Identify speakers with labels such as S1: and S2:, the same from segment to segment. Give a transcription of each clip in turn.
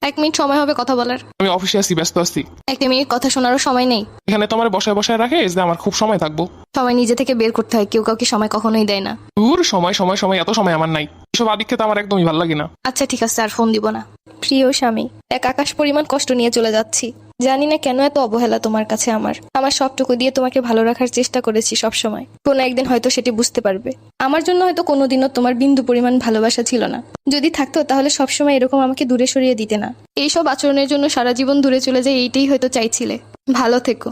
S1: 1 minute সময় হবে কথা বলার।
S2: আমি অফিসে আছি, ব্যস্ত আছি।
S1: 1 মিনিট কথা শোনারও সময় নেই।
S2: এখানে তোমার বসায় বসায় রাখে যে আমার খুব সময় থাকবো।
S1: সময় নিজে থেকে বের করতে হয়, কেউ কাউকে সময় কখনোই দেয় না।
S2: দূর, সময় সময় সময়, এত সময় আমার নাই। এসব আদিক্ষেত আমার একদমই ভালো লাগে না।
S1: আচ্ছা ঠিক আছে, আর ফোন দিব না। প্রিয় স্বামী, এক আকাশ পরিমাণ কষ্ট নিয়ে চলে যাচ্ছি। জানি না কেন এত অবহেলা তোমার কাছে। আমার সবটুকু দিয়ে তোমাকে ভালো রাখার চেষ্টা করেছি সব সময়। কোনো একদিন হয়তো সেটি বুঝতে পারবে। আমার জন্য হয়তো কোনোদিনও তোমার বিন্দু পরিমাণ ভালোবাসা ছিল না। যদি থাকতো তাহলে সবসময় এরকম আমাকে দূরে সরিয়ে দিতে না। এইসব আচরণের জন্য সারা জীবন দূরে চলে যায়, এইটাই হয়তো চাইছিলে। ভালো থেকো।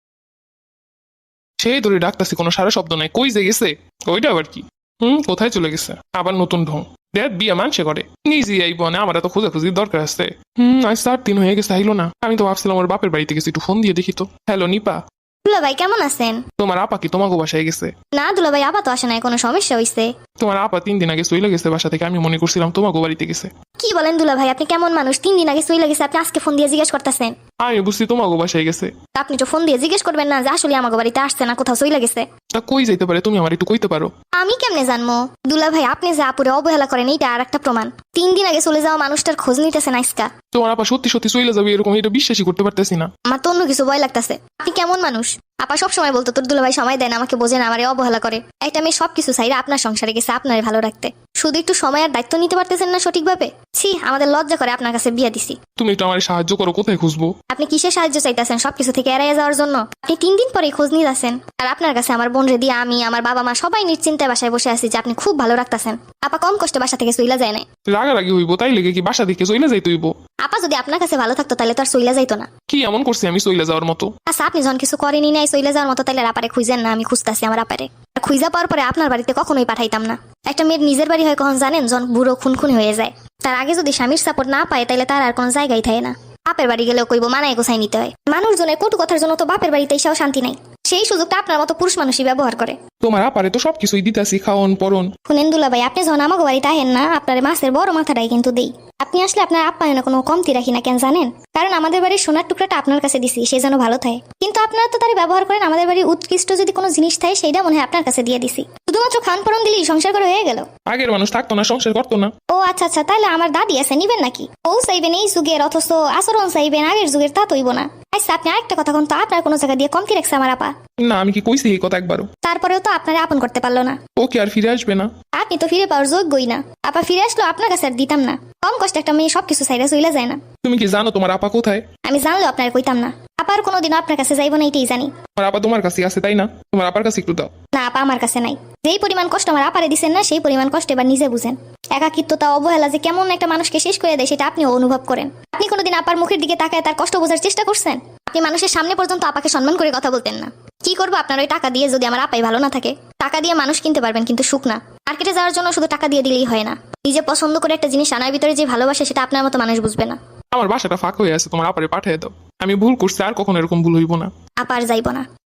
S2: সেই ধরে ডাকতেছি, কোনো সারা শব্দ নাই। কই যে গেছে? ওইটা আবার কি? কোথায় চলে গেছে? আবার নতুন ঢং। দেখ, বিয়ে মানছে করে নিজে আইব না, আমার এত খোঁজাখুঁজির দরকার আছে? আজ 4 দিন হয়ে গেছে, আইলো না। আমি তো ভাবছিলাম ওর বাপের বাড়িতে গেছি, একটু ফোন দিয়ে দেখি তো। হ্যালো নিপা,
S3: দুলাভাই কেমন আছেন?
S2: তোমার আপা কি তোমাকে বাসায় গেছে?
S3: না দুলাভাই, আপাতত আসে নাই, কোনো সমস্যা হইছে?
S2: তোমার আপা 3 দিন আগে চলে গেছে বাসা থেকে, আমি মনে করছিলাম তোমাকে বাড়িতে গেছে।
S3: কি বলেন দুলাভাই, আপনি কেমন মানুষ? 3 দিন আগে চলে গেছে, আপনি আজকে ফোন দিয়ে জিজ্ঞেস করতেছেন?
S2: আমি বুঝছি তোমাকে বাসায় গেছে।
S3: আপনি তো ফোন দিয়ে জিজ্ঞেস করবেন না যে আসলে আমাকে বাড়িতে আসছে না কোথাও চলে গেছে?
S2: তা কই যাইতে পারে, তুমি আমার একটু কইতে পারো?
S3: আমি কেমনে জানবো? দুলাভাই, আপনি যে আপুরে অবহেলা করেন এইটা আর একটা প্রমাণ। 3 দিন আগে চলে যাওয়া মানুষটার খোঁজ নিতেছেন আজকা।
S2: তোমার আপা সত্যি সত্যি চলে যাবে এরকম, এটা বিশ্বাসই করতে পারতেছি না।
S3: আমার তো অন্য কিছু ভয় লাগতেছে। আপনি কেমন মানুষ? আপা সব সময় বলতো তোর দুলাভাই সময় দেন, আমাকে বোঝে না, আমারে অবহেলা করে। একটা মেয়ে সবকিছু চাইলে আপনার সংসারে গেছে আপনারে ভালো রাখতে, শুধু একটু সময় আর দায়িত্ব নিতে পারতেছেন না সঠিকভাবে। ছি, আমাদের লজ্জা করে আপনার কাছে বিয়া দিছি।
S2: তুমি একটু আমার সাহায্য করো, কোথায় খুঁজবো?
S3: আপনি কিসের সাহায্য চাইতেছেন? সবকিছু থেকে এড়াইয়া যাওয়ার জন্য? আপনি 3 দিন পরে খোঁজ নিয়ে যাচ্ছেন, আর আপনার কাছে আমার বোন রে দিয়ে আমি, আমার বাবা মা সবাই নিশ্চিন্তায় বাসায় বসে আছি যে আপনি খুব ভালো রাখতেছেন। আপা কম কষ্টে বাসা থেকে চইলা যায় না।
S2: রাগারাগি হইব তাই লেগে কি বাসা থেকে চলে যাইতে হইব?
S3: আপা যদি আপনার কাছে ভালো থাকতো তাহলে তো আর চইলা যাইতো না।
S2: কি এমন করছি আমি চলে যাওয়ার মতো?
S3: আচ্ছা, আপনি যখন কিছু করেনি নাই চইলা যাওয়ার মতো, তাহলে আপারে খুঁজেন না। আমি খুঁজতাছি আমার আপারে। আর খুঁজা পাওয়ার পরে আপনার বাড়িতে কখনোই পাঠাইতাম না। একটা মেয়ের নিজের বাড়ি হয় কখন জানেন? যখন বুড়ো খুনখুনি হয়ে যায়। তার আগে যদি স্বামীর সাপোর্ট না পায় তাহলে তার আর কোনো জায়গায় থাকে না। বাপের বাড়ি গেলেও কইব মানায় গোছাই নিতে হয়। মানুষজনের কটু কথার জন্য তো বাপের বাড়িতে এসেও শান্তি নাই। সেই সুযোগটা আপনার মতো পুরুষ মানুষই ব্যবহার করে।
S2: তোমার আপারে তো সবকিছুই দিতাছি, খাওন পরন।
S3: শুনেন দুলাভাই, আপনি যখন আমাকে বাড়িতে আহেন না, আপনার মাছের বড় মাথাটাই কিন্তু দেই। আপনি আসলে আপনার আপ্যায়নে কোনো কমতি রাখি না, কেন জানেন? কারণ আমাদের বাড়ির সোনার টুকরাটা আপনার কাছে দিছি, সে যেন ভালো থাকে। কিন্তু আপনারা তো তারই ব্যবহার করেন। আমাদের বাড়ির উৎকৃষ্ট যদি কোনো জিনিস থাকে সেইটা মনে হয় আপনার কাছে দিয়ে দিছি। শুধুমাত্র খান পরন দিলেই সংসার করে হয়ে গেল।
S2: আগের মানুষ থাকতো না, সংসার করতো না।
S3: ও আচ্ছা আচ্ছা, তাহলে আমার দাদি আছে, নিবেন নাকি? ও চাইবেন এই যুগের, অথচ আচরণ চাইবেন আগের যুগের, তা তৈব না। আচ্ছা, আপনি আরেকটা কথা কোন তো, আপনার কোনো জায়গা দিয়ে কমতি রাখছে আমার আপা?
S2: না, আমি কি কইছি এই কথা একবারও?
S3: তারপরেও তো আপনারা আপন করতে পারলো না।
S2: ও কি আর ফিরে আসবে না?
S3: আপনি তো ফিরে পাওয়ার যোগ্যই না। আপা ফিরে আসলো আপনার কাছে আর দিতাম না। কম কষ্ট একটা মেয়ে সবকিছু চাইলে চইলা যায় না।
S2: তুমি কি জানো তোমার আপা কোথায়?
S3: আমি জানলেও আপনার কইতাম না। আপার কোনোদিনও আপনার কাছে যাইব না, এটাই জানি।
S2: তোমার আপা তোমার কাছে আছে তাই না? তোমার আপার কাছে একটু দাও।
S3: না আপা, আমার কাছে নাই। যেই পরিমাণ কষ্ট আমার আপারে দিচ্ছেন না, সেই পরিমাণ কষ্ট এবার নিজে বুঝেন। একাকিত্বতা, অবহেলা যে কেমন একটা মানুষকে শেষ করে দেয় সেটা আপনিও অনুভব করেন। আপনি কোনোদিন আপার মুখের দিকে তাকায় তার কষ্ট বোঝার চেষ্টা করছেন? আপনি মানুষের সামনে পর্যন্ত আপাকে সম্মান করে কথা বলতেন না। কি করবো আপনার ওই টাকা দিয়ে? যদি আমার আপাই ভালো না থাকে, টাকা দিয়ে মানুষ কিনতে পারবেন কিন্তু সুখ না। মার্কেটে যাওয়ার জন্য শুধু টাকা দিয়ে দিলেই হয় না। নিজে পছন্দ করে একটা জিনিস আনার ভিতরে যে ভালোবাসে সেটা আপনার মতো মানুষ বুঝবে না।
S2: আমার বাসাটা ফাঁক হয়ে আছে, তোমার আপারে পাঠিয়ে দাও। আমি ভুল করছি, আর কখনো এরকম ভুল হইব না।
S3: আপার যাইব না।